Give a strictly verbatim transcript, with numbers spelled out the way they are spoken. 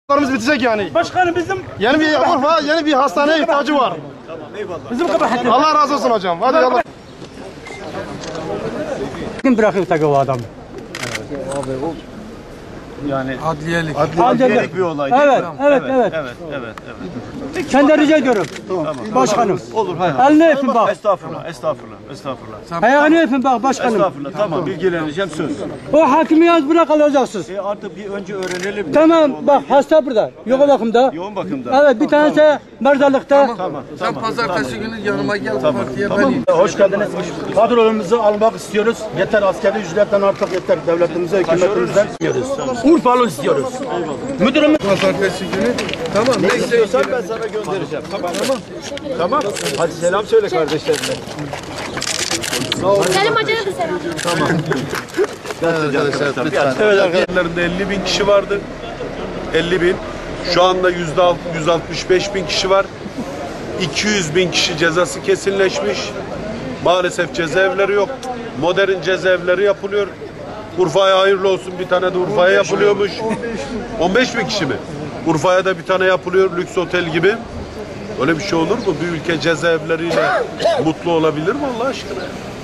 Larımız bitecek yani. Başkanım bizim Yeni bir Urfa, yeni bir hastaneye ihtiyacı var. Tamam, eyvallah. Bizim kabahatimiz. Allah razı olsun hocam. Hadi Allah. Kim bırakıyor tabii o adamı? Abi o yani Adliyelik. adliyelik bir olay değil Evet, mi? evet, evet. Evet, evet, evet. Kendi rica ediyorum. Başkanım. Olur, hay Elini öpün bak. Estağfurullah, estağfurullah, estağfurullah. Ayağını öpün bak başkanım. Estağfurullah, tamam, bilgileneceğim söz. O hakimi yaz bırak alacaksınız. E artık bir önce öğrenelim. Tamam bak hasta burada. Yoğun bakımda. Yoğun bakımda. Evet bir tanesi mezarlıkta. Tamam, Sen tamam. pazartesi günü yanıma gel bu partiye ben. Hoş geldiniz. Kadrolarımızı almak istiyoruz. Yeter askeri ücretten artık yeter. Devletimize, hükümetimizden istiyoruz. Urfalı istiyoruz. Müdürümüz Pazartesi günü. Tamam neyse. Ben sana göndereceğim. Tamam, tamam. Tamam. Hadi selam söyle kardeşlerine. Selim Hoca'ya da selam. Evet arkadaşlarında elli bin kişi vardı. elli bin. Şu anda yüz altmış beş bin kişi var. iki yüz bin kişi cezası kesinleşmiş. Maalesef cezaevleri yok. Modern cezaevleri yapılıyor. Urfa'ya hayırlı olsun, bir tane de Urfa'ya yapılıyormuş. on beş bin kişi mi? Urfa'ya da bir tane yapılıyor, lüks otel gibi. Öyle bir şey olur mu? Bir ülke cezaevleriyle mutlu olabilir mi Allah aşkına?